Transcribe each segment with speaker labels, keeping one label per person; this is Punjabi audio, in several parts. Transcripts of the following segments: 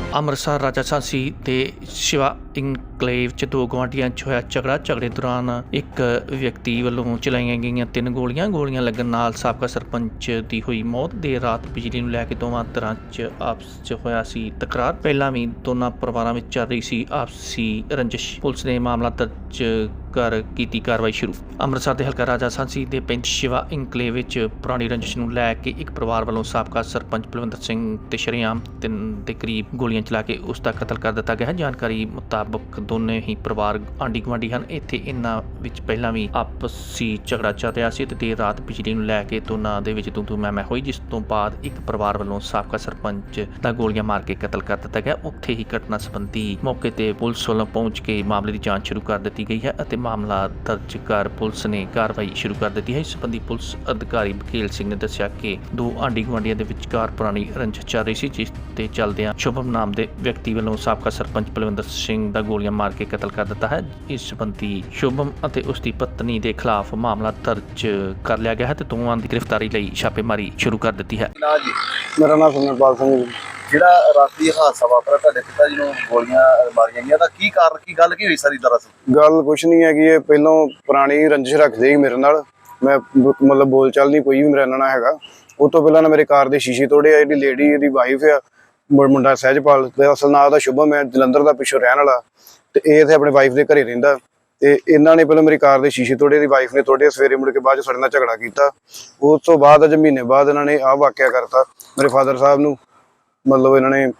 Speaker 1: ਅੰਮ੍ਰਿਤਸਰ ਰਾਜਾ ਸਾਂਸੀ ਦੇ ਸ਼ਿਵਾ ਇਨਕਲੇਵ 'ਚ ਦੋ ਗੁਆਂਢੀਆਂ 'ਚ ਹੋਇਆ ਝਗੜੇ ਦੌਰਾਨ ਇੱਕ ਵਿਅਕਤੀ ਵੱਲੋਂ ਚਲਾਈਆਂ ਗਈਆਂ 3 ਗੋਲੀਆਂ ਲੱਗਣ ਨਾਲ ਸਾਬਕਾ ਸਰਪੰਚ ਦੀ ਹੋਈ ਮੌਤ। ਦੇਰ ਰਾਤ ਬਿਜਲੀ ਨੂੰ ਲੈ ਕੇ ਦੋਵਾਂ ਧਿਰਾਂ 'ਚ ਆਪਸ 'ਚ ਹੋਇਆ ਸੀ ਤਕਰਾਰ। ਪਹਿਲਾਂ ਵੀ ਦੋਨਾਂ ਪਰਿਵਾਰਾਂ ਵਿੱਚ ਚੱਲ ਰਹੀ ਸੀ ਆਪਸੀ ਰੰਜਿਸ਼। ਪੁਲਿਸ ਨੇ ਮਾਮਲਾ ਦਰਜ ਕਰ ਕੀਤੀ ਕਾਰਵਾਈ ਸ਼ੁਰੂ। ਅੰਮ੍ਰਿਤਸਰ ਦੇ ਹਲਕਾ ਰਾਜਾ ਸਾਂਸੀ ਦੇ ਪਿੰਡ ਸ਼ਿਵਾ ਇਨਕਲੇਵ ਵਿੱਚ ਪੁਰਾਣੀ ਰੰਜਿਸ਼ ਨੂੰ ਲੈ ਕੇ ਇੱਕ ਪਰਿਵਾਰ ਵੱਲੋਂ ਸਾਬਕਾ ਸਰਪੰਚ ਬਲਵਿੰਦਰ ਸਿੰਘ ਤੇ ਸ਼ਰੇਆਮ 3 ਦੇ ਕਰੀਬ ਗੋਲੀਆਂ ਚਲਾ ਕੇ ਉਸ ਦਾ ਕਤਲ ਕਰ ਦਿੱਤਾ ਗਿਆ ਹੈ। ਜਾਣਕਾਰੀ ਮੁਤਾਬਕ ਦੋਨੇ ਹੀ ਪਰਿਵਾਰ ਆਂਢੀ ਗੁਆਂਢੀ ਹਨ। ਇੱਥੇ ਇਹਨਾਂ ਵਿੱਚ ਪਹਿਲਾਂ ਵੀ ਆਪਸੀ ਝਗੜਾ ਚੱਲ ਰਿਹਾ ਸੀ ਤੇ ਦੇਰ ਰਾਤ ਬਿਜਲੀ ਨੂੰ ਲੈ ਕੇ ਦੋਨਾਂ ਦੇ ਵਿੱਚ ਤੂੰ ਮੈਂ ਹੋਈ, ਜਿਸ ਤੋਂ ਬਾਅਦ ਇੱਕ ਪਰਿਵਾਰ ਵੱਲੋਂ ਸਾਬਕਾ ਸਰਪੰਚ ਦਾ ਗੋਲੀਆਂ ਮਾਰ ਕੇ ਕਤਲ ਕਰ ਦਿੱਤਾ ਗਿਆ। ਉੱਥੇ ਹੀ ਘਟਨਾ ਸੰਬੰਧੀ ਮੌਕੇ ਤੇ ਪੁਲਿਸ ਵੱਲੋਂ ਪਹੁੰਚ ਕੇ ਮਾਮਲੇ ਦੀ ਜਾਂਚ ਸ਼ੁਰੂ ਕਰ ਦਿੱਤੀ ਗਈ ਹੈ ਅਤੇ ਮਾਮਲਾ ਦਰਜ ਕਰ ਪੁਲਿਸ ਨੇ ਕਾਰਵਾਈ ਸ਼ੁਰੂ ਕਰ ਦਿੱਤੀ ਹੈ। ਇਸ ਸੰਬੰਧੀ ਪੁਲਿਸ ਅਧਿਕਾਰੀ ਬਕੇਲ ਸਿੰਘ ਨੇ ਦੱਸਿਆ ਕਿ ਦੋ ਆਂਢੀ ਗੁਆਂਢੀਆਂ ਦੇ ਵਿਚਕਾਰ ਪੁਰਾਣੀ ਰੰਜਿਸ਼ ਚੱਲ ਰਹੀ ਸੀ, ਜਿਸ ਤੇ ਚੱਲਦਿਆਂ ਸ਼ੁਭਮ ਨਾਮ ਦੇ ਵਿਅਕਤੀ ਵੱਲੋਂ ਸਾਬਕਾ ਸਰਪੰਚ ਬਲਵਿੰਦਰ ਸਿੰਘ ਦਾ ਗੋਲੀਆਂ ਮਾਰ ਕੇ ਕਤਲ ਕਰ ਦਿੱਤਾ ਹੈ। ਇਸ ਸੰਬੰਧੀ ਸ਼ੁਭਮ ਅਤੇ ਉਸ ਦੀ ਪਤਨੀ ਦੇ ਖਿਲਾਫ ਮਾਮਲਾ ਦਰਜ ਕਰ ਲਿਆ ਗਿਆ ਹੈ ਤੇ ਦੋਵਾਂ ਦੀ ਗ੍ਰਿਫਤਾਰੀ ਲਈ ਛਾਪੇਮਾਰੀ ਸ਼ੁਰੂ ਕਰ ਦਿੱਤੀ ਹੈ।
Speaker 2: ਮੇਰਾ ਨਾਮ ਸੁਮਰਪਾਲ ਸਿੰਘ ਜੀ।
Speaker 3: ਜਿਹੜਾ ਰਾਤੀ ਹਾਦਸਾ ਵਾਪਰਿਆ, ਤੁਹਾਡੇ ਪਿਤਾ ਜੀ ਨੂੰ ਗੋਲੀਆਂ ਮਾਰੀਆਂ ਗਈਆਂ, ਤਾਂ ਕੀ ਕਾਰਨ, ਕੀ ਗੱਲ ਕੀ ਹੋਈ ਸਾਰੀ ਦਰਅਸਲ?
Speaker 2: ਗੱਲ ਕੁਛ ਨਹੀਂ ਹੈਗੀ, ਇਹ ਪਹਿਲਾਂ ਪੁਰਾਣੀ ਰੰਜਿਸ਼ ਰੱਖਦੇ ਸੀ ਮੇਰੇ ਨਾਲ। ਮੈਂ ਮਤਲਬ ਬੋਲ ਚਾਲ ਨਹੀਂ ਕੋਈ ਵੀ ਮੇਰੇ ਨਾਲ ਹੈਗਾ। ਉਹ ਤੋਂ ਪਹਿਲਾਂ ਨਾ ਮੇਰੇ ਕਾਰ ਦੇ ਸ਼ੀਸ਼ੇ ਤੋੜੇ ਆ। ਜਿਹੜੀ ਲੇਡੀ ਇਹਦੀ ਵਾਈਫ ਆ, ਮੁੰਡਾ ਸਹਿਜਪਾਲ ਤੇ ਅਸਲ ਨਾਂ ਉਹਦਾ ਸ਼ੁਭਮ ਹੈ, ਜਲੰਧਰ ਦਾ ਪਿੱਛੋਂ ਰਹਿਣ ਵਾਲਾ, ਤੇ ਇਹ ਇੱਥੇ ਆਪਣੇ ਵਾਈਫ ਦੇ ਘਰੇ ਰਹਿੰਦਾ। ਤੇ ਇਹਨਾਂ ਨੇ ਪਹਿਲਾਂ ਮੇਰੀ ਕਾਰ ਦੇ ਸ਼ੀਸ਼ੇ ਤੋੜੇ, ਦੀ ਵਾਈਫ ਨੇ ਤੋੜੇ। ਸਵੇਰੇ ਮੁੜ ਕੇ ਬਾਅਦ 'ਚ ਸਾਡੇ ਨਾਲ ਝਗੜਾ ਕੀਤਾ। ਉਸ ਤੋਂ ਬਾਅਦ ਅਜ ਮਹੀਨੇ ਬਾਅਦ ਇਹਨਾਂ ਨੇ ਆਹ ਵਾਕਿਆ ਕਰਤਾ। ਮੇਰੇ ਫਾਦਰ ਸਾਹਿਬ ਨੂੰ ਮਤਲਬ ਇਹਨਾਂ ਨੇ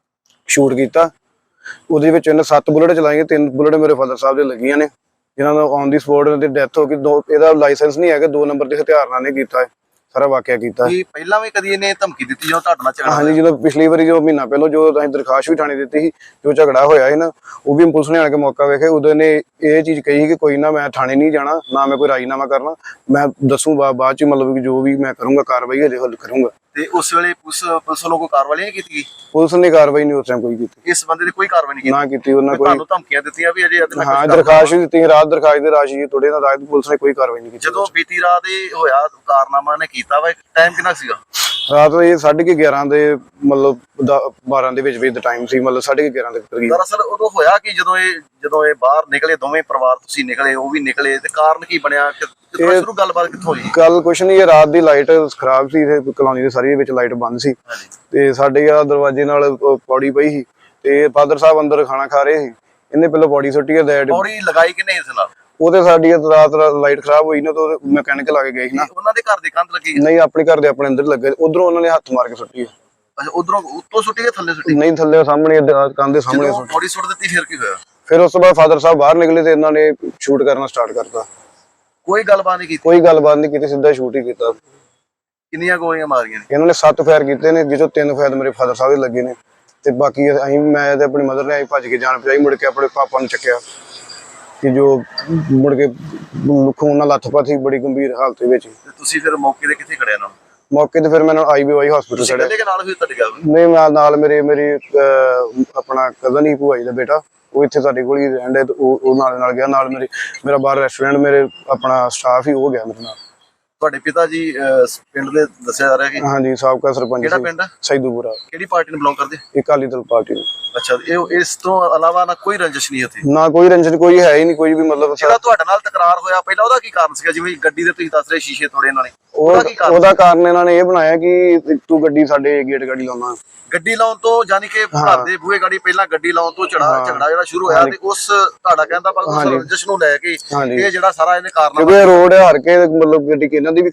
Speaker 2: ਸ਼ੂਟ ਕੀਤਾ। ਉਹਦੇ ਵਿੱਚ ਇਹਨੇ 7 ਬੁਲਟ ਚਲਾਈਆਂ, 3 ਬੁਲਟ ਮੇਰੇ ਫਾਦਰ ਸਾਹਿਬ ਦੇ ਲੱਗੀਆਂ ਨੇ, ਜਿਨ੍ਹਾਂ ਦਾ ਔਨ ਦੀ ਸਪੋਟ ਦੀ ਡੈਥ ਹੋ ਗਈ। ਇਹਦਾ ਲਾਇਸੈਂਸ ਨਹੀਂ ਹੈਗਾ, 2 ਨੰਬਰ ਦੇ ਹਥਿਆਰ ਨਾਲ ਨੇ ਕੀਤਾ ਸਾਰਾ ਵਾਕਿਆ ਕੀਤਾ।
Speaker 3: ਪਹਿਲਾਂ ਵੀ ਕਦੀ ਇਹਨੇ ਧਮਕੀ ਦਿੱਤੀ ਜਦੋਂ ਤੁਹਾਡੇ ਨਾਲ ਝਗੜਾ?
Speaker 2: ਹਾਂਜੀ, ਜਦੋਂ ਪਿਛਲੀ ਵਾਰੀ ਜੋ ਮਹੀਨਾ ਪਹਿਲਾਂ ਜੋ ਅਸੀਂ ਦਰਖਾਸਤ ਵੀ ਥਾਣੇ ਦਿੱਤੀ ਸੀ, ਜੋ ਝਗੜਾ ਹੋਇਆ ਸੀ ਨਾ, ਉਹ ਵੀ ਪੁਲਿਸ ਨੇ ਆ ਕੇ ਮੌਕਾ ਵੇਖੇ। ਉਦੋਂ ਨੇ ਇਹ ਚੀਜ਼ ਕਹੀ ਕਿ ਕੋਈ ਨਾ, ਮੈਂ ਥਾਣੇ ਨਹੀਂ ਜਾਣਾ, ਨਾ ਮੈਂ ਕੋਈ ਰਾਜੀਨਾਮਾ ਕਰਨਾ, ਮੈਂ ਦੱਸੂ ਬਾਅਦ ਚ, ਮਤਲਬ ਕਿ ਜੋ ਵੀ ਮੈਂ ਕਰੂੰਗਾ ਕਾਰਵਾਈ ਹਜੇ ਹੱਲ ਕਰੂੰਗਾ।
Speaker 3: ਤੇ ਉਸ ਵੇਲੇ ਪੁਲਿਸ ਵੱਲੋਂ ਕੋਈ ਕਾਰਵਾਈ ਨਹੀਂ ਕੀਤੀ ਗਈ?
Speaker 2: ਪੁਲਿਸ ਨੇ ਕਾਰਵਾਈ ਨਹੀਂ ਉਸ ਟਾਈਮ ਕੋਈ ਕੀਤੀ।
Speaker 3: ਇਸ ਬੰਦੇ ਦੀ ਕੋਈ ਕਾਰਵਾਈ ਨਹੀਂ ਕੀਤੀ?
Speaker 2: ਨਾ ਕੀਤੀ ਉਹਨਾਂ ਕੋਈ।
Speaker 3: ਤੁਹਾਨੂੰ ਧਮਕੀਆਂ ਦਿੱਤੀਆਂ ਵੀ ਅਜੇ?
Speaker 2: ਹਾਂ, ਦਰਖਾਸਤ ਵੀ ਦਿੱਤੀ, ਰਾਤ ਦਰਖਾਸਤ ਦੇ ਰਾਸ਼ੀ ਥੋੜੇ ਨਾਲ ਰਾਤ ਪੁਲਿਸ ਨੇ ਕੋਈ ਕਾਰਵਾਈ ਨਹੀਂ ਕੀਤੀ।
Speaker 3: ਜਦੋਂ ਬੀਤੀ ਰਾਤ ਇਹ ਹੋਇਆ ਕਾਰਨਾਮਾ ਨੇ ਕੀਤਾ ਵਾ, ਟਾਈਮ ਕਿੰਨਾ ਸੀਗਾ?
Speaker 2: ਰਾਤ ਇਹ 11:30 ਦੇ ਮਤਲਬ 12 ਦੇ ਵਿੱਚ ਦਾ ਟਾਈਮ ਸੀ, ਮਤਲਬ 11:30 ਦੇ ਕਰੀਬ।
Speaker 3: ਦਰਅਸਲ ਉਦੋਂ ਹੋਇਆ ਕਿ ਜਦੋਂ ਇਹ ਬਾਹਰ ਨਿਕਲੇ, ਦੋਵੇਂ ਪਰਿਵਾਰ, ਤੁਸੀਂ ਨਿਕਲੇ, ਉਹ ਵੀ ਨਿਕਲੇ, ਤੇ ਕਾਰਨ ਕੀ ਬਣਿਆ? ਸ਼ੁਰੂ ਗੱਲਬਾਤ ਕਿੱਥੋਂ ਹੋਈ?
Speaker 2: ਗੱਲ ਕੁਛ ਨਹੀਂ, ਰਾਤ ਦੀ ਲਾਈਟ ਖਰਾਬ ਸੀ, ਕਲੋਨੀ ਦੇ ਸਾਰੀ ਵਿੱਚ ਲਾਈਟ ਬੰਦ ਸੀ, ਤੇ ਸਾਡੇ ਆ ਦਰਵਾਜ਼ੇ ਨਾਲ ਪੌੜੀ ਪਈ ਸੀ, ਤੇ ਫਾਦਰ ਸਾਹਿਬ ਅੰਦਰ ਖਾਣਾ ਖਾ ਰਹੇ ਸੀ। ਇਹਨੇ ਪਹਿਲਾਂ ਪੌੜੀ ਸੁੱਟੀ ਹੈ।
Speaker 3: ਪੌੜੀ ਲਗਾਈ ਕਿਨੇ ਇਸ ਨਾਲ?
Speaker 2: ਉਹਦੇ ਸਾਡੀ ਰਾਤ ਲਾਈਟ ਖਰਾਬ ਹੋਈ ਨਾ, ਤਾਂ ਮੈਕੈਨਿਕ ਲਾ ਕੇ ਗਏ ਸੀ ਨਾ।
Speaker 3: ਉਹਨਾਂ ਦੇ ਘਰ ਦੀ ਕੰਧ ਲੱਗੀ?
Speaker 2: ਨਹੀਂ, ਆਪਣੇ ਘਰ ਦੇ ਆਪਣੇ ਅੰਦਰ ਲੱਗੇ। ਉਧਰੋਂ ਉਹਨਾਂ ਨੇ ਹੱਥ ਮਾਰ ਕੇ ਸੁੱਟੀ ਹੈ।
Speaker 3: ਅੱਛਾ, ਉਧਰੋਂ ਉੱਤੋਂ ਸੁੱਟੀ ਹੈ, ਥੱਲੇ ਸੁੱਟੀ?
Speaker 2: ਨਹੀਂ, ਥੱਲੇ ਸਾਹਮਣੇ ਕੰਧ ਦੇ ਸਾਹਮਣੇ ਸੁੱਟੀ।
Speaker 3: ਪੌੜੀ ਸੁੱਟ ਦਿੱਤੀ, ਫਿਰ ਕੀ ਹੋਇਆ?
Speaker 2: ਫਿਰ ਉਸ ਤੋਂ ਬਾਅਦ ਫਾਦਰ ਸਾਹਿਬ ਬਾਹਰ ਨਿਕਲੇ ਤੇ ਇਹਨਾਂ ਨੇ ਸ਼ੂਟ ਕਰਨਾ ਸਟਾਰਟ ਕਰਤਾ।
Speaker 3: ਕੋਈ ਗੱਲਬਾਤ ਨਹੀਂ ਕੀਤੀ?
Speaker 2: ਕੋਈ ਗੱਲਬਾਤ ਨਹੀਂ ਕੀਤੀ, ਸਿੱਧਾ ਸ਼ੂਟ ਹੀ ਕੀਤਾ।
Speaker 3: ਕਿੰਨੀਆਂ ਗੋਲੀਆਂ ਮਾਰੀਆਂ ਨੇ?
Speaker 2: ਇਹਨਾਂ ਨੇ 7 ਫਾਇਰ ਕੀਤੇ ਨੇ, ਜਿਸ ਤੋਂ 3 ਫਾਇਰ ਮੇਰੇ ਫਾਦਰ ਸਾਹਿਬ ਦੇ ਲੱਗੇ ਨੇ, ਤੇ ਬਾਕੀ ਅਸੀਂ, ਮੈਂ ਤੇ ਆਪਣੀ ਮਦਰ ਨੇ ਭੱਜ ਕੇ ਜਾਨ ਬਚਾਈ। ਮੁੜ ਕੇ ਆਪਣੇ ਪਾਪਾ ਨੂੰ ਚੱਕਿਆ, ਕਿ ਜੋ ਮੁੜ ਕੇ ਖੂਨ ਨਾਲ ਲੱਥਪੱਥ ਸੀ, ਬੜੀ ਗੰਭੀਰ ਹਾਲਤ ਵਿੱਚ।
Speaker 3: ਤੇ ਤੁਸੀਂ ਫਿਰ ਮੌਕੇ ਤੇ ਕਿੱਥੇ ਖੜਿਆ ਨਾ?
Speaker 2: ਮੌਕੇ ਤੇ ਫਿਰ ਮੈਂ IBY ਹਸਪੀਟਲ ਚੜਿਆ।
Speaker 3: ਨਾਲ ਵੀ ਤੁਹਾਡੇ ਗੱਲ
Speaker 2: ਨਹੀਂ, ਮੈਂ ਨਾਲ ਮੇਰੀ ਆਪਣਾ ਕਜ਼ਨ ਹੀ ਭੂਆ ਜੀ ਦਾ ਬੇਟਾ, ਉਹ ਇੱਥੇ ਸਾਡੇ ਕੋਲ ਹੀ ਰਹਿੰਦਾ, ਤੇ ਉਹ ਨਾਲ ਗਿਆ। ਨਾਲ ਮੇਰਾ ਬਾਹਰ ਰੈਸਟੋਰੈਂਟ, ਮੇਰੇ ਆਪਣਾ ਸਟਾਫ ਹੀ ਉਹ ਗਿਆ ਮੇਰੇ ਨਾਲ।
Speaker 3: ਤੁਹਾਡੇ ਪਿਤਾ ਜੀ ਪਿੰਡ ਦੇ ਦੱਸਿਆ ਜਾ ਰਿਹਾ ਕਿ?
Speaker 2: ਹਾਂਜੀ, ਸਾਬਕਾ ਸਰਪੰਚ।
Speaker 3: ਕਿਹੜਾ ਪਿੰਡ?
Speaker 2: ਸੈਦੂਪੁਰਾ।
Speaker 3: ਕਿਹੜੀ ਪਾਰਟੀ ਨੂੰ ਬਿਲੋਂਗ ਕਰਦੇ?
Speaker 2: ਅਕਾਲੀ ਦਲ ਪਾਰਟੀ ਨੂੰ।
Speaker 3: ਅੱਛਾ, ਇਸ ਤੋਂ ਇਲਾਵਾ ਨਾ ਕੋਈ ਰੰਜਿਸ਼ ਨਹੀਂ ਉੱਥੇ?
Speaker 2: ਨਾ ਕੋਈ ਰੰਜਿਸ਼, ਕੋਈ ਹੈ ਹੀ ਨਹੀਂ ਕੋਈ ਵੀ। ਮਤਲਬ
Speaker 3: ਜਿਹੜਾ ਤੁਹਾਡੇ ਨਾਲ ਤਕਰਾਰ ਹੋਇਆ ਪਹਿਲਾਂ, ਉਹਦਾ ਕੀ ਕਾਰਨ ਸੀਗਾ? ਜਿਵੇਂ ਗੱਡੀ ਦੇ ਤੁਸੀਂ ਦੱਸ ਰਹੇ ਸ਼ੀਸ਼ੇ ਤੋੜੇ ਇਹਨਾਂ ਨੇ,
Speaker 2: ਉਹਦਾ ਕਾਰਨ ਇਹਨਾਂ ਨੇ ਇਹ ਬਣਾਇਆ ਕਿ ਤੂੰ ਗੱਡੀ ਸਾਡੇ ਗੇਟ ਗਾੜੀ ਲਾਉਣਾ।
Speaker 3: ਗੱਡੀ ਲਾਉਣ ਤੋਂ, ਯਾਨੀ ਕਿ ਘਰ ਦੇ ਬੂਹੇ ਗਾੜੀ ਪਹਿਲਾਂ ਗੱਡੀ ਲਾਉਣ ਤੋਂ ਝਗੜਾ ਜਿਹੜਾ ਸ਼ੁਰੂ ਹੋਇਆ, ਤੇ ਉਸ ਤੁਹਾਡਾ ਕਹਿੰਦਾ ਪਰ ਉਸ ਰੰਜਿਸ਼ ਨੂੰ ਲੈ ਕੇ ਇਹ ਜਿਹੜਾ ਸਾਰਾ ਇਹਨੇ ਕਾਰਨ,
Speaker 2: ਕਿਉਂਕਿ ਰੋਡ ਹਾਰ ਕੇ ਮਤਲਬ ਗੱਡੀ ਇਹਨਾਂ ਦੀ ਵੀ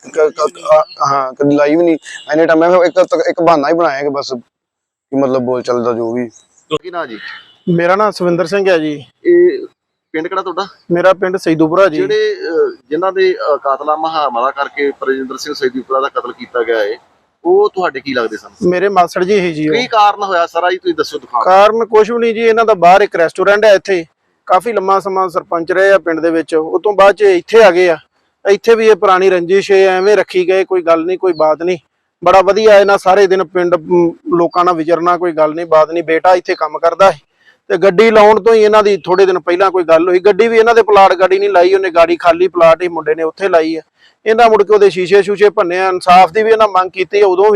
Speaker 2: ਹਾਂ ਕਦੀ ਲਾਈ ਵੀ ਨਹੀਂ। ਐਨੇ ਟਾਈਮ ਮੈਂ ਇੱਕ ਬਹਾਨਾ ਹੀ ਬਣਾਇਆ ਕਿ ਬਸ ਮਤਲਬ ਬੋਲ ਚੱਲਦਾ ਜੋ ਵੀ।
Speaker 3: ਕੀ ਨਾ ਜੀ?
Speaker 4: ਮੇਰਾ ਨਾਮ ਸਵਿੰਦਰ ਸਿੰਘ ਹੈ ਜੀ।
Speaker 3: ਇਹ ਪਿੰਡ ਕਿਹੜਾ ਤੁਹਾਡਾ?
Speaker 4: ਮੇਰਾ ਪਿੰਡ ਸੈਦੂਪੁਰਾ ਜੀ।
Speaker 3: ਜਿਨ੍ਹਾਂ ਦੇ ਕਾਤਲਾਮਾ ਹਮਲਾ ਕਰਕੇ ਪ੍ਰਜਿੰਦਰ ਸਿੰਘ ਸੈਦੂਪੁਰਾ ਦਾ ਕਤਲ ਕੀਤਾ ਗਿਆ ਹੈ, ਉਹ ਤੁਹਾਡੇ ਕੀ ਲੱਗਦੇ ਸਨ?
Speaker 4: ਮੇਰੇ ਮਾਸੜ ਜੀ ਹੀ ਜੀ।
Speaker 3: ਕੀ ਕਾਰਨ ਹੋਇਆ ਸਾਰਾ ਜੀ, ਤੁਸੀਂ ਦੱਸੋ।
Speaker 4: ਕਾਰਨ ਕੁਛ ਵੀ ਨਹੀਂ ਜੀ, ਇਹਨਾਂ ਦਾ ਬਾਹਰ ਇੱਕ ਰੈਸਟੋਰੈਂਟ ਹੈ, ਇੱਥੇ ਕਾਫੀ ਲੰਮਾ ਸਮਾਂ ਸਰਪੰਚ ਰਹੇ ਆ ਪਿੰਡ ਦੇ ਵਿੱਚ। ਉਹ ਤੋਂ ਬਾਅਦ ਚ ਇੱਥੇ ਆ ਗਏ ਆ। ਇੱਥੇ ਵੀ ਇਹ ਪੁਰਾਣੀ ਰੰਜਿਸ਼ ਐਵੇਂ ਰੱਖੀ ਗਏ, ਕੋਈ ਗੱਲ ਨਹੀਂ, ਕੋਈ ਬਾਤ ਨਹੀਂ। ਬੜਾ ਵਧੀਆ ਇਹਨਾਂ ਸਾਰੇ ਦਿਨ ਪਿੰਡ ਲੋਕਾਂ ਨਾਲ ਵਿਚਰਨਾ, ਕੋਈ ਗੱਲ ਨਹੀਂ, ਬਾਤ ਨਹੀਂ। ਬੇਟਾ ਇੱਥੇ ਕੰਮ ਕਰਦਾ ਹੈ, ਤੇ ਗੱਡੀ ਲਾਉਣ ਤੋਂ ਹੀ ਇਹਨਾਂ ਦੀ ਥੋੜੇ ਦਿਨ ਪਹਿਲਾਂ ਕੋਈ ਗੱਲ ਹੋਈ। ਗੱਡੀ ਵੀ ਇਹਨਾਂ ਦੇ ਪਲਾਟ ਗਾੜੀ ਨਹੀਂ ਲਾਈ, ਉਹਨੇ ਗਾੜੀ ਖਾਲੀ ਪਲਾਟ ਹੀ ਮੁੰਡੇ ਨੇ ਉੱਥੇ ਲਾਈ ਹੈ। ਇਹਨਾਂ ਮੁੜ ਕੇ ਉਹਦੇ ਸ਼ੀਸ਼ੇ ਸ਼ੂਸ਼ੇ ਭੰਨੇ। ਇਨਸਾਫ ਦੀ ਵੀ ਇਹਨਾਂ ਮੰਗ ਕੀਤੀ ਉਦੋਂ ਵੀ,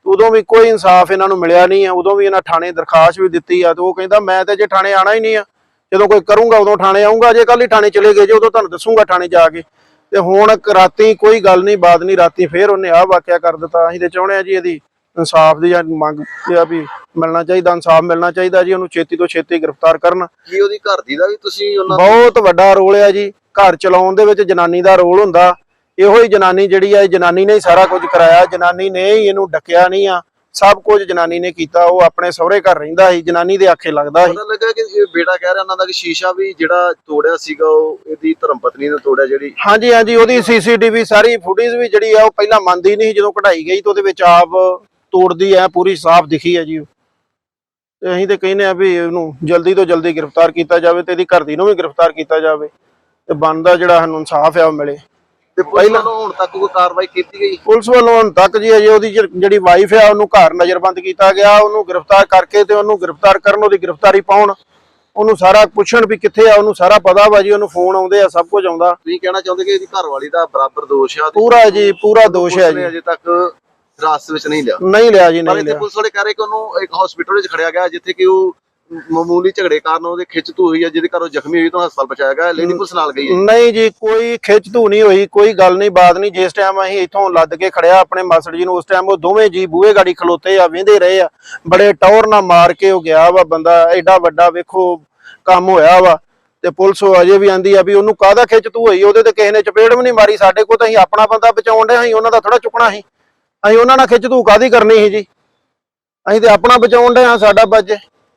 Speaker 4: ਉਦੋਂ ਵੀ ਕੋਈ ਇਨਸਾਫ ਇਹਨਾਂ ਨੂੰ ਮਿਲਿਆ ਨਹੀਂ ਆ। ਉਦੋਂ ਵੀ ਇਹਨਾਂ ਥਾਣੇ ਦਰਖਾਸਤ ਵੀ ਦਿੱਤੀ ਆ ਤੇ ਉਹ ਕਹਿੰਦਾ ਮੈਂ ਤੇ ਜੇ ਥਾਣੇ ਆਣਾ ਹੀ ਨਹੀਂ ਆ, ਜਦੋਂ ਕੋਈ ਕਰੂੰਗਾ ਉਦੋਂ ਥਾਣੇ ਆਉਂਗਾ, ਜੇ ਕੱਲ ਹੀ ਥਾਣੇ ਚਲੇ ਗਏ ਜੇ ਉਦੋਂ ਤੁਹਾਨੂੰ ਦੱਸੂਗਾ ਥਾਣੇ ਜਾ ਕੇ। ਤੇ ਹੁਣ ਰਾਤੀ ਕੋਈ ਗੱਲ ਨਹੀਂ ਬਾਤ ਨਹੀਂ, ਰਾਤੀ ਫੇਰ ਉਹਨੇ ਆਹ ਵਾਕਿਆ ਕਰ ਦਿੱਤਾ। ਅਸੀਂ ਤੇ ਚਾਹੁੰਦੇ ਆ ਜੀ ਇਹਦੀ ਇਨਸਾਫ ਦੀ ਜਾਂ ਮੰਗ ਆ ਵੀ ਮਿਲਣਾ ਚਾਹੀਦਾ, ਇਨਸਾਫ ਮਿਲਣਾ ਚਾਹੀਦਾ ਜੀ, ਉਹਨੂੰ ਛੇਤੀ ਤੋਂ ਛੇਤੀ ਗ੍ਰਿਫਤਾਰ ਕਰਨ।
Speaker 3: ਕੀ ਉਹਦੀ ਘਰ ਦੀ ਦਾ ਵੀ ਤੁਸੀਂ ਉਹਨਾਂ
Speaker 4: ਬਹੁਤ ਵੱਡਾ ਰੋਲ ਆ ਜੀ, ਘਰ ਚਲਾਉਣ ਦੇ ਵਿੱਚ ਜਨਾਨੀ ਦਾ ਰੋਲ ਹੁੰਦਾ। ਇਹੋ ਹੀ ਜਨਾਨੀ ਜਿਹੜੀ ਆ, ਜਨਾਨੀ ਨੇ ਹੀ ਸਾਰਾ ਕੁਝ ਕਰਾਇਆ, ਜਨਾਨੀ ਨੇ ਹੀ ਇਹਨੂੰ ਡੱਕਿਆ ਨਹੀਂ ਆ, ਸਭ ਕੁਝ ਜਨਾਨੀ ਨੇ ਕੀਤਾ। ਉਹ ਆਪਣੇ ਸਹੁਰੇ ਘਰ ਰਹਿੰਦਾ ਸੀ, ਜਨਾਨੀ ਦੇ ਆਖੇ ਲੱਗਦਾ ਸੀ।
Speaker 3: ਪਤਾ ਲੱਗਾ ਕਿ ਇਹ ਬੇਟਾ ਕਹਿ ਰਿਹਾ ਉਹਨਾਂ ਦਾ ਕਿ ਸ਼ੀਸ਼ਾ ਵੀ ਜਿਹੜਾ ਤੋੜਿਆ ਸੀਗਾ ਉਹ ਇਹਦੀ ਧਰਮ ਪਤਨੀ ਨੇ ਤੋੜਿਆ ਜਿਹੜੀ।
Speaker 4: ਹਾਂਜੀ ਹਾਂਜੀ, ਉਹਦੀ ਸੀਸੀਟੀਵੀ ਸਾਰੀ ਫੁਟੇਜ ਵੀ ਜਿਹੜੀ ਆ ਉਹ ਪਹਿਲਾਂ ਮੰਨਦੀ ਨਹੀਂ, ਜਦੋਂ ਕਢਾਈ ਗਈ ਤਾਂ ਉਹਦੇ ਵਿੱਚ ਆਪ ਤੋੜਦੀ ਆ, ਪੂਰੀ ਸਾਫ਼ ਦਿਖੀ ਆ ਜੀ। ਤੇ ਅਸੀਂ ਤੇ ਕਹਿੰਦੇ ਆ ਵੀ ਇਹਨੂੰ ਜਲਦੀ ਤੋਂ ਜਲਦੀ ਗ੍ਰਿਫਤਾਰ ਕੀਤਾ ਜਾਵੇ ਤੇ ਇਹਦੀ ਘਰ ਦੀ ਨੂੰ ਵੀ ਗ੍ਰਿਫਤਾਰ ਕੀਤਾ ਜਾਵੇ ਤੇ ਬਣਦਾ ਜਿਹੜਾ ਸਾਨੂੰ ਇਨਸਾਫ ਆ ਉਹ ਮਿਲੇ।
Speaker 3: ਤੇ ਪਹਿਲਾਂ ਹੁਣ ਤੱਕ ਕੋਈ ਕਾਰਵਾਈ ਕੀਤੀ ਗਈ?
Speaker 4: ਪੁਲਿਸ ਵੱਲੋਂ ਹੁਣ ਤੱਕ ਜੀ ਅਜੇ ਉਹਦੀ ਜਿਹੜੀ ਵਾਈਫ ਆ ਉਹਨੂੰ ਘਰ ਨਜ਼ਰਬੰਦ ਕੀਤਾ ਗਿਆ। ਉਹਨੂੰ ਗ੍ਰਿਫਤਾਰ ਕਰਕੇ ਤੇ ਉਹਨੂੰ ਗ੍ਰਿਫਤਾਰ ਕਰਨ, ਉਹਦੀ ਗ੍ਰਿਫਤਾਰੀ ਪਾਉਣ, ਉਹਨੂੰ ਸਾਰਾ ਪੁੱਛਣ ਵੀ ਕਿੱਥੇ ਆ, ਉਹਨੂੰ ਸਾਰਾ ਪਤਾ ਵਾ ਜੀ, ਉਹਨੂੰ ਫੋਨ ਆਉਂਦੇ ਆ, ਸਭ ਕੁਝ ਆਉਂਦਾ।
Speaker 3: ਤੁਸੀਂ ਕਹਿਣਾ ਚਾਹੁੰਦੇ ਕਿ ਇਹਦੀ ਘਰਵਾਲੀ ਦਾ ਬਰਾਬਰ ਦੋਸ਼ ਆ?
Speaker 4: ਪੂਰਾ ਜੀ, ਪੂਰਾ ਦੋਸ਼ ਹੈ ਜੀ।
Speaker 3: ਅਜੇ ਤੱਕ ਹਿਰਾਸਤ ਵਿੱਚ ਨਹੀਂ ਲਿਆ?
Speaker 4: ਨਹੀਂ ਲਿਆ ਜੀ,
Speaker 3: ਪਰ
Speaker 4: ਨਹੀਂ
Speaker 3: ਇੱਥੇ
Speaker 4: ਲਿਆ।
Speaker 3: ਪੁਲਿਸ ਵਾਲੇ ਕਹਿ ਰਹੇ ਕਿ ਉਹਨੂੰ ਇੱਕ ਹਸਪੀਟਲ ਵਿੱਚ ਖੜਿਆ ਗਿਆ ਜਿੱਥੇ ਕਿ ਉਹ ਮਾਮੂਲੀ ਝਗੜੇ ਕਾਰਨ ਉਹਦੇ ਖਿੱਚ ਧੂ ਹੋਈ ਹੈ, ਜਿਹਦੇ ਕਾਰਨ ਉਹ ਜ਼ਖਮੀ ਹੋਈ ਤਾਂ ਹਸਪਤਾਲ ਪਹੁੰਚਾਇਆ ਗਿਆ। ਲੇਡੀ ਪੁਲਿਸ ਨਾਲ ਗਈ ਹੈ?
Speaker 4: ਨਹੀਂ ਜੀ, ਕੋਈ ਖਿੱਚ ਧੂ ਨਹੀਂ ਹੋਈ, ਕੋਈ ਗੱਲ ਨਹੀਂ ਬਾਤ ਨਹੀਂ। ਜਿਸ ਟਾਈਮ ਅਸੀਂ ਇੱਥੋਂ ਲੱਦ ਕੇ ਖੜਿਆ ਆਪਣੇ ਮਾਸੜ ਜੀ ਨੂੰ, ਉਸ ਟਾਈਮ ਉਹ ਦੋਵੇਂ ਜੀ ਬੂਹੇ ਗਾੜੀ ਖਲੋਤੇ ਆ, ਵੇਂਦੇ ਰਹੇ ਆ। ਬੜੇ ਟੌਰ ਨਾਲ ਮਾਰ ਕੇ ਉਹ ਗਿਆ ਵਾ ਬੰਦਾ, ਐਡਾ ਵੱਡਾ ਵੇਖੋ ਕੰਮ ਹੋਇਆ ਵਾ। ਤੇ ਪੁਲਿਸ ਅਜੇ ਵੀ ਆਂਦੀ ਆ ਵੀ ਉਹਨੂੰ ਕਾਹਦਾ ਖਿੱਚ ਧੂ ਹੋਈ, ਉਹਦੇ ਤੇ ਕਿਸੇ ਨੇ ਚਪੇੜ ਵੀ ਨਹੀਂ ਮਾਰੀ। ਸਾਡੇ ਕੋਲ ਤਾਂ ਅਸੀਂ ਆਪਣਾ ਬੰਦਾ ਬਚਾਉਣ ਦੇ, ਅਸੀਂ ਉਹਨਾਂ ਦਾ ਥੋੜਾ ਚੁੱਕਣਾ ਸੀ। ਅਸੀਂ ਉਹਨਾਂ ਨਾਲ ਖਿੱਚ ਧੂ ਕਾਹਦੀ ਕਰਨੀ ਸੀ ਜੀ, ਅਸੀਂ ਤੇ ਆਪਣਾ ਬਚਾਉਣ ਦੇ ਹਾਂ, ਸਾਡਾ ਬਚੇ।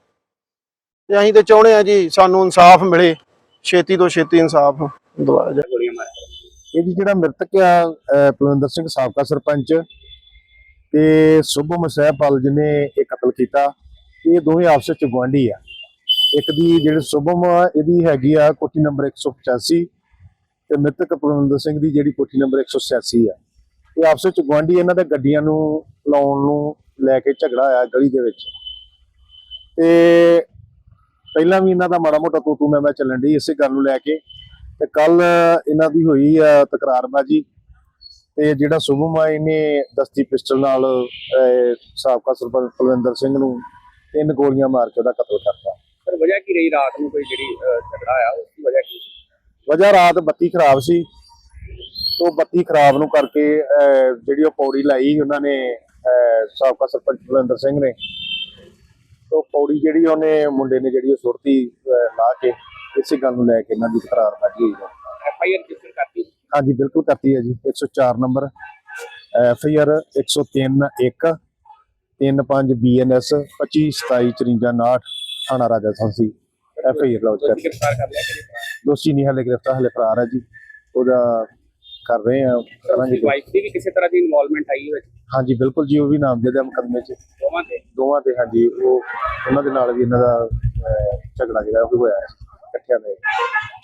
Speaker 4: ਤੇ ਅਸੀਂ ਤੇ ਚਾਹੁੰਦੇ ਆ ਜੀ ਸਾਨੂੰ ਇਨਸਾਫ ਮਿਲੇ, ਛੇਤੀ ਤੋਂ ਛੇਤੀ ਇਨਸਾਫ ਦਵਾਇਆ ਜਾਏ।
Speaker 5: ਇਹ ਜੀ ਜਿਹੜਾ ਮ੍ਰਿਤਕ ਆ ਪਲਵਿੰਦਰ ਸਿੰਘ ਸਾਬਕਾ ਸਰਪੰਚ ਤੇ ਸੁਭਮ ਸਹਿਪਾਲ ਜਿਹਨੇ ਇਹ ਕਤਲ ਕੀਤਾ, ਇਹ ਦੋਵੇਂ ਆਪਸ ਵਿੱਚ ਗੁਆਂਢੀ ਆ। ਇੱਕ ਦੀ ਜਿਹੜੀ ਸੁਭਮ ਆ ਇਹਦੀ ਹੈਗੀ ਆ ਕੋਠੀ ਨੰਬਰ 185 ਤੇ ਮ੍ਰਿਤਕ ਪਲਵਿੰਦਰ ਸਿੰਘ ਦੀ ਜਿਹੜੀ ਕੋਠੀ ਨੰਬਰ 186 ਆ। ਇਹ ਆਪਸ ਵਿੱਚ ਗੁਆਂਢੀ, ਇਹਨਾਂ ਦੇ ਗੱਡੀਆਂ ਨੂੰ ਲਾਉਣ ਨੂੰ ਲੈ ਕੇ ਝਗੜਾ ਆਇਆ ਗਲੀ ਦੇ ਵਿੱਚ। ਤੇ ਪਹਿਲਾਂ ਵੀ ਇਹਨਾਂ ਦਾ ਮਾੜਾ ਮੋਟਾ ਤੂੰ ਮੈਂ ਚੱਲਣ ਡਈ ਇਸੇ ਗੱਲ ਨੂੰ ਲੈ ਕੇ। ਤੇ ਕੱਲ ਇਹਨਾਂ ਦੀ ਹੋਈ ਆ ਤਕਰਾਰਬਾਜੀ ਤੇ ਜਿਹੜਾ ਸੁਭਮ ਆ ਇਹਨੇ ਦਸਤੀ ਪਿਸਟਲ ਨਾਲ ਸਾਬਕਾ ਸਰਪੰਚ ਪਲਵਿੰਦਰ ਸਿੰਘ ਨੂੰ 3 ਗੋਲੀਆਂ ਮਾਰ ਕੇ ਉਹਦਾ ਕਤਲ ਕਰਤਾ।
Speaker 6: ਸਰ ਵਜ੍ਹਾ ਕੀ ਰਹੀ ਰਾਤ ਨੂੰ ਕੋਈ ਜਿਹੜੀ ਝਗੜਾ ਆਇਆ, ਉਸ ਦੀ ਵਜ੍ਹਾ ਕੀ ਸੀ?
Speaker 5: ਵਜ੍ਹਾ ਰਾਤ ਬੱਤੀ ਖਰਾਬ ਸੀ, ਤੋਂ ਬੱਤੀ ਖਰਾਬ ਨੂੰ ਕਰਕੇ ਜਿਹੜੀ ਉਹ ਪੌੜੀ ਲਾਈ ਉਹਨਾਂ ਨੇ ਸਾਬਕਾ ਸਰਪੰਚ ਪਲਵਿੰਦਰ ਸਿੰਘ ਨੇ, ਤੋਂ ਪੌੜੀ ਜਿਹੜੀ ਉਹਨੇ ਮੁੰਡੇ ਨੇ ਜਿਹੜੀ ਉਹ ਸੁੱਟਤੀ ਲਾ ਕੇ। ਇਸੇ ਗੱਲ ਨੂੰ ਲੈ ਕੇ ਇਹਨਾਂ ਦੀ ਤਕਰਾਰਬਾਜੀ ਹੋਈ ਹੈ।
Speaker 6: FIR ਰਜਿਸਟਰ ਕਰਤੀ?
Speaker 5: ਹਾਂਜੀ ਬਿਲਕੁਲ ਕਰਤੀ ਹੈ ਜੀ, 104 ਨੰਬਰ FIR 103-1 35 BNS 252754 ਥਾਣਾ ਰਾਜਾ ਸੰਸੀ FIR ਲੌਜ ਕਰ।
Speaker 6: ਗ੍ਰਿਫਤਾਰ ਕਰ ਲਿਆ ਕਿਹੜੇ?
Speaker 5: ਦੋਸ਼ੀ ਨਹੀਂ ਹਾਲੇ ਗ੍ਰਿਫਤਾਰ, ਹਾਲੇ ਫਰਾਰ ਹੈ ਜੀ, ਉਹਦਾ ਕਰ ਰਹੇ ਆ, ਕਰਾਂਗੇ।
Speaker 6: ਵਾਈਫ ਦੀ ਵੀ ਕਿਸੇ ਤਰ੍ਹਾਂ ਦੀ ਇਨਵੋਲਵਮੈਂਟ ਆਈ ਹੋਵੇ?
Speaker 5: ਹਾਂਜੀ ਬਿਲਕੁਲ ਜੀ, ਉਹ ਵੀ ਨਾਮਜ਼ਦ ਹੈ ਮੁਕੱਦਮੇ 'ਚ ਦੋਵਾਂ ਤੇ। ਹਾਂਜੀ, ਉਹ ਉਹਨਾਂ ਦੇ ਨਾਲ ਵੀ ਇਹਨਾਂ ਦਾ ਝਗੜਾ ਜਿਹੜਾ ਉਹ ਵੀ ਹੋਇਆ ਇਕੱਠਿਆਂ ਦਾ।